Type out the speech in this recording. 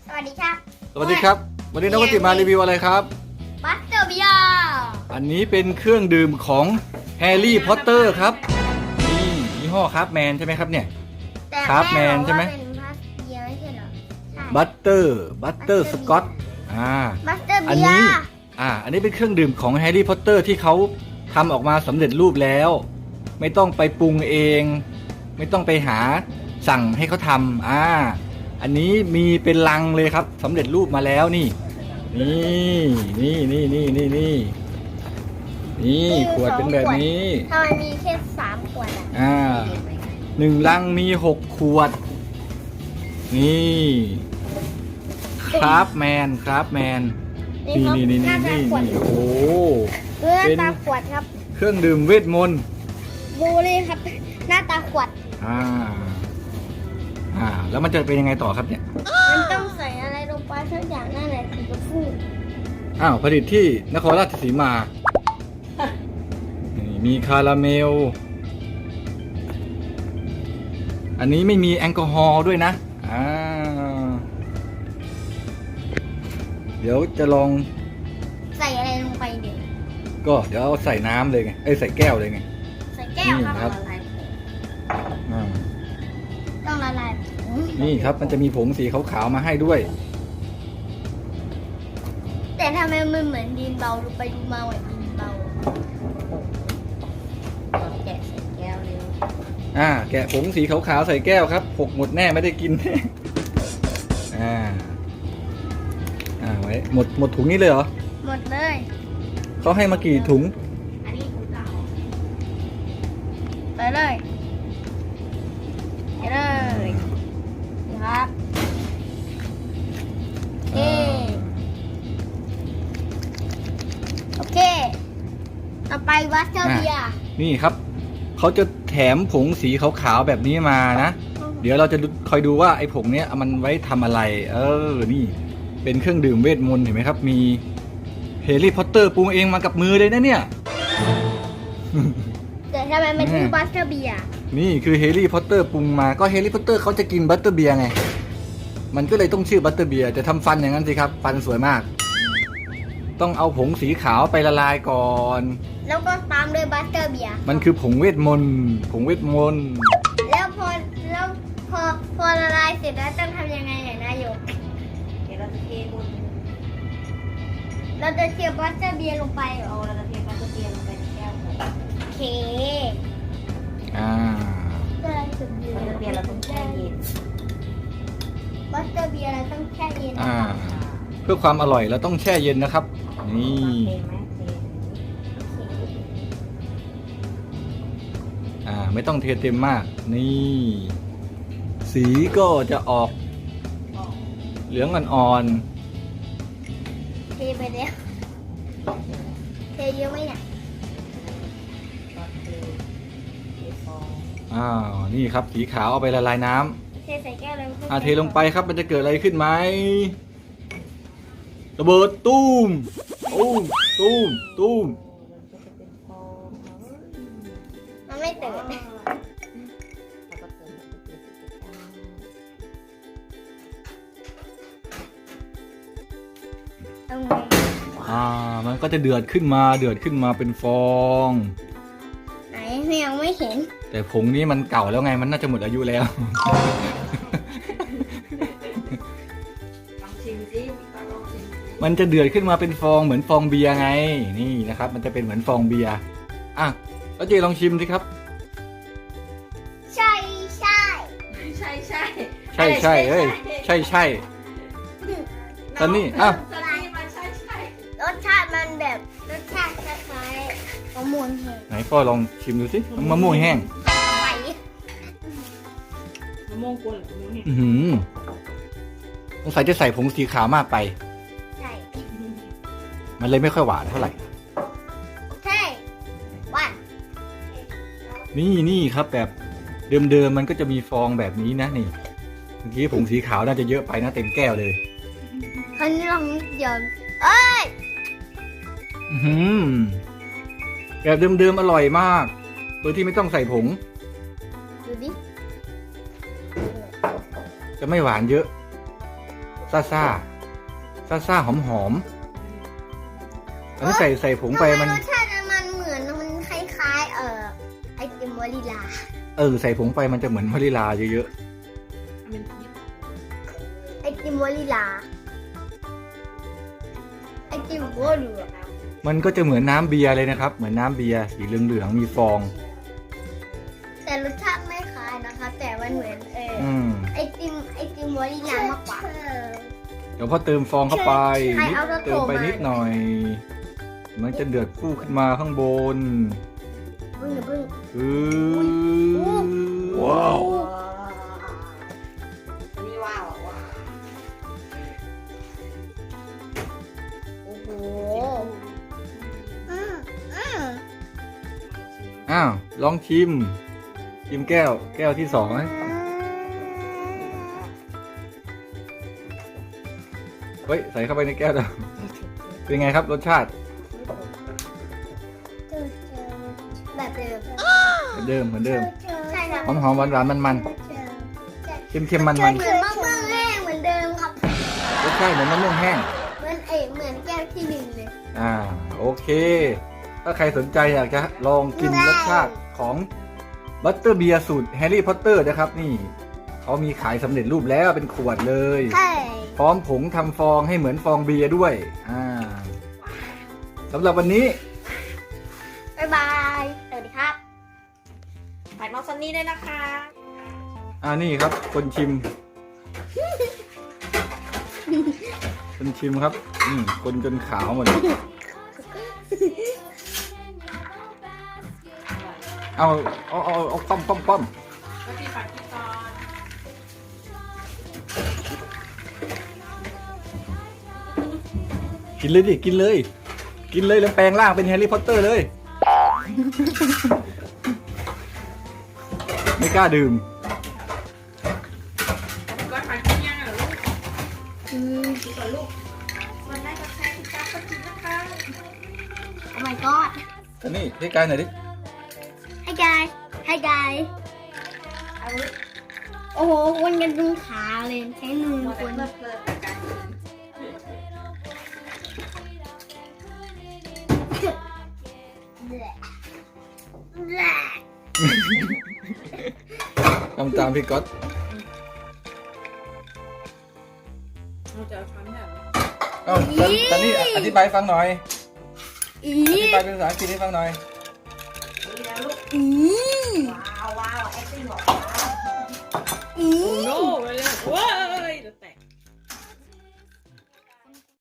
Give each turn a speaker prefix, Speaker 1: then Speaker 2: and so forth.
Speaker 1: สวัสดีครับ
Speaker 2: สวัสดีครับ วันนี้น้องกติมารีวิวอะไรครับ
Speaker 1: บัสเตอร์เบียร์
Speaker 2: อันนี้เป็นเครื่องดื่มของแฮร์รี่พอตเตอร์ครับนี่ยี่ห้อคราฟแมนใช่ไหมครับเนี่ย
Speaker 1: แต่
Speaker 2: ครับแมนใช่ไหม
Speaker 1: เป็นบัสเบียร์ไม่ใช่เหรอใช่
Speaker 2: บัตเตอร์สกอต
Speaker 1: บัสเตอร์
Speaker 2: อัน
Speaker 1: เบีย
Speaker 2: นี้
Speaker 1: ร์
Speaker 2: อันนี้เป็นเครื่องดื่มของแฮร์รี่พอตเตอร์ที่เขาทำออกมาสำเร็จรูปแล้ว ไม่ต้องไปปรุงเอง ไม่ต้องไปหาสั่งให้เขาทำอันนี้มีเป็นลังเลยครับสำเร็จรูปมาแล้วนี่นี่ขวดเป็นแบบนี้
Speaker 1: ทำไมมีแค่3 ขวดอ่ะ
Speaker 2: 1 ลังมี6 ขวด นี่คราฟแมนนี่
Speaker 1: หน้าตาขวด
Speaker 2: โอ้โห
Speaker 1: หน้าตาขวดครับ
Speaker 2: เครื่องดื่มเวทมนต์
Speaker 1: บูเลยครับ หน้าตาขวด
Speaker 2: แล้วมันจะเป็นยังไงต่อครับเนี่ย
Speaker 1: มันต้องใส่อะไรลงไปสักอย่างนั่นแหละถึงจะฟู
Speaker 2: ผลิตที่นครราชสีมานี่มีคาราเมล อันนี้ไม่มีแอลกอฮอล์ด้วยนะเดี๋ยวจะลอง
Speaker 1: ใส่อะไรลงไปเดี๋ยว
Speaker 2: ก็เดี๋ยวเอาใส่น้ำเลยไงใส่แก้วเลยไง
Speaker 1: ใส่แก้ว
Speaker 2: นี่
Speaker 1: ค
Speaker 2: ครั
Speaker 1: รับ ต้องละลาย
Speaker 2: นี่ครับมันจะมีผงสีขาวๆมาให้ด้วย
Speaker 1: แต่ทำไมมันเหมือนดินเบาดูไปดูมาเหมือนดินเบาแกะใส่แก้วเร็ว
Speaker 2: แกะผงสีขาวๆใส่แก้วครับหกหมดแน่ไม่ได้กิน ไว้หมดถุงนี้เลยเหรอ
Speaker 1: หมดเลย
Speaker 2: เขาให้มากี่ถุง
Speaker 1: อันนี้ถุงเก่าไปเลยไปเลยครับโอเคต่อไปวัสเตอร์เบียร์
Speaker 2: นี่ครับเขาจะแถมผงสีขาวๆแบบนี้มานะ เดี๋ยวเราจะคอยดูว่าไอ้ผงเนี้ยมันไว้ทำอะไร นี่เป็นเครื่องดื่มเวทมนต์เห็นไหมครับ มีแฮร์รี่พอตเตอร์ปรุงเองมากับมือเลยนะเนี่ย
Speaker 1: แต่ทำไมมันคือวัสเตอร์เบียร์
Speaker 2: นี่คือแฮร์รี่พอตเตอร์ปรุงมาก็แฮร์รี่พอตเตอร์เขาจะกินบัตเตอร์เบียร์ไงมันก็เลยต้องชื่อบัตเตอร์เบียร์จะทำฟันอย่างนั้นสิครับฟันสวยมาก ต้องเอาผงสีขาวไปละลายก่อน
Speaker 1: แล้วก็ตามด้วยบัสเตอร์เบียร์
Speaker 2: มันคือผงเวทมนต์
Speaker 1: แล้วพอละลายเสร็จแล้วต้องทำยังไงเนี่ยนายก
Speaker 3: เดี๋ยวเราจะเทบน
Speaker 1: เราจะเทียบบัสเตอร์เบียร์ลงไปเหรอ
Speaker 3: เราจะเทปลาเทียมลงไปในแก้วก่อน
Speaker 1: โอเค
Speaker 3: ปลาเทียมเราต้องแช่เย็น
Speaker 1: บัสเตอร์เบียร์เราต้องแช่เย็น
Speaker 2: เพื่อความอร่อยเราต้องแช่เย็นนะครับนี่
Speaker 3: เทไหมเท
Speaker 2: ไม่ต้องเทเต็มมาก นี่ สีก็จะออกเหลืองอ่อน
Speaker 1: เทไปแล้วเทเยอะไหมเนี่ย
Speaker 3: ก็เทฟอง
Speaker 2: นี่ครับสีขาวเอาไปละลายน้
Speaker 1: เทใส่แก้วเลย
Speaker 2: ำเทลงไปครับมันจะเกิดอะไรขึ้นไหมระเบิดตูมตูม
Speaker 3: มันก็จะเป็นฟอง
Speaker 1: มันไม่ตื่น
Speaker 3: แล้วก็เติมมันจะเป็นสีดำ
Speaker 1: ตรงนี้
Speaker 2: มันก็จะเดือดขึ้นมาเป็นฟอง
Speaker 1: ไหนยังไม่เห็น
Speaker 2: แต่ผงนี้มันเก่าแล้วไงมันน่าจะหมดอายุแล้ว
Speaker 3: ลองชิมสิลองชิม
Speaker 2: มันจะเดือดขึ้นมาเป็นฟองเหมือนฟองเบียร์ไงนี่นะครับ มันจะเป็นเหมือนฟองเบียร์แล้วเจลองชิมสิครับ
Speaker 1: ใช่
Speaker 3: ใช่
Speaker 2: ใช่ตอนนี้
Speaker 3: ตอนนี้มันใช่
Speaker 1: รสชาติมันแบบรสชาติคล้ายๆมะม่วงแห้ง
Speaker 2: ไหนพ่อลองชิมดูสิมะม่วงแห้ง
Speaker 1: ไป
Speaker 3: มะม่วงกวนหรือมะม่วงเนี่ย
Speaker 2: สงสัยจะใส่ผงสีขาวมากไป
Speaker 1: ใช่
Speaker 2: มันเลยไม่ค่อยหวานเท่าไหร่
Speaker 1: ใช่วัน
Speaker 2: นี่ครับแบบเดิมมันก็จะมีฟองแบบนี้นะนี่เมื่อกี้ผงสีขาวน่าจะเยอะไปนะเต็มแก้วเลย
Speaker 1: คราวนี้ลองเดี๋ยวเอ้ย
Speaker 2: แบบเดิมอร่อยมากโดยที่ไม่ต้องใส่ผง
Speaker 1: ดูดิ
Speaker 2: จะไม่หวานเยอะซ่าหอมอันนี้ใส่ผงไปมัน
Speaker 1: รสชาติมันเหมือนมันคล้ายๆไอติมวานิลา
Speaker 2: ใส่ผงไปมันจะเหมือนวานิลาเยอะ
Speaker 3: เป็นพีช
Speaker 1: ไอติมวานิลาไอติมโบลู
Speaker 2: ๆมันก็จะเหมือนน้ำเบียร์เลยนะครับเหมือนน้ำเบียร์สีเหลืองๆมีฟอง
Speaker 1: แต่รสชาติไม่คล้ายนะคะแต่มันเหมือนไอติมวานิลามากกว่า
Speaker 2: เดี๋ยวพอเติมฟองเข้าไป
Speaker 1: ใครเอารถ
Speaker 2: เติมไป
Speaker 1: โทรมา
Speaker 2: นิดหน่อย มันจะเดือดฟูขึ้นมาข้างบน
Speaker 1: พึ่ง
Speaker 2: ว้าว
Speaker 3: อันนี้ว้าวว้าว
Speaker 1: โอ้โห
Speaker 2: อ้าวลองชิมแก้วที่สองนะเฮ้ยใส่เข้าไปในแก้วเดียวเป็นไงครับรสชาติ
Speaker 1: แบบเดิม
Speaker 2: เหมือนเดิม
Speaker 1: ใช่ครับ
Speaker 2: หอมหวานมันเค็มมัน
Speaker 1: เหมือนมะม่วงแห้งเหมือนเดิมครับ
Speaker 2: รสชาติเหมือนมะม่วงแห้ง
Speaker 1: เหมือนแก้วที่หนึ่งเลย
Speaker 2: โอเค ถ้าใครสนใจอยากจะลองกินรสชาติของบัตเตอร์เบียร์สูตรแฮร์รี่พอตเตอร์นะครับนี่เขามีขายสำเร็จรูปแล้วเป็นขวดเลย
Speaker 1: ใช่
Speaker 2: พร้อมผงทำฟองให้เหมือนฟองเบียร์ด้วยสำหรับวันนี้
Speaker 1: บ๊ายบายสวัสดีครับ
Speaker 3: ฝากน้องซันนี่ด้วยนะคะ
Speaker 2: นี่ครับ คนชิม คนชิมครับคนจนขาวหมดเลยเอาป้อม
Speaker 3: แล้วพี่ฝากพี่ตอน
Speaker 2: กินเลยดิกินเลยแล้วแปลงร่างเป็นแฮร์รี่พอตเตอร์เลย ไม่กล้าดื่ม
Speaker 3: ก็ฝากกินยังเหรอลูกกินก่อนลูกวันแรกก็แค่พี่จ้าก็กินนะคะ
Speaker 1: Oh my god
Speaker 2: อันนี้ให้กายหน่อยดิ
Speaker 1: Hi guys Hi guys
Speaker 3: เอาลูก
Speaker 1: โอ้โหคนกันตรงขาเลยใช้มือ
Speaker 3: มัว
Speaker 1: ค
Speaker 3: แต่
Speaker 1: น
Speaker 3: เพลิดกับการกิน
Speaker 2: ทำตามพี่ก๊อต
Speaker 3: เราจะเอาช้อนแบบ
Speaker 2: ตอนนี้อธิบายฟังหน่อย
Speaker 1: อี
Speaker 2: อธิบายเป็นภาษาอังกฤษให้ฟังหน่อย
Speaker 3: นี้แล้วลูก
Speaker 1: อี
Speaker 3: ว้าวว้าวแอคติ้งหรอ
Speaker 1: อี
Speaker 3: โน้ไปเลยว้าว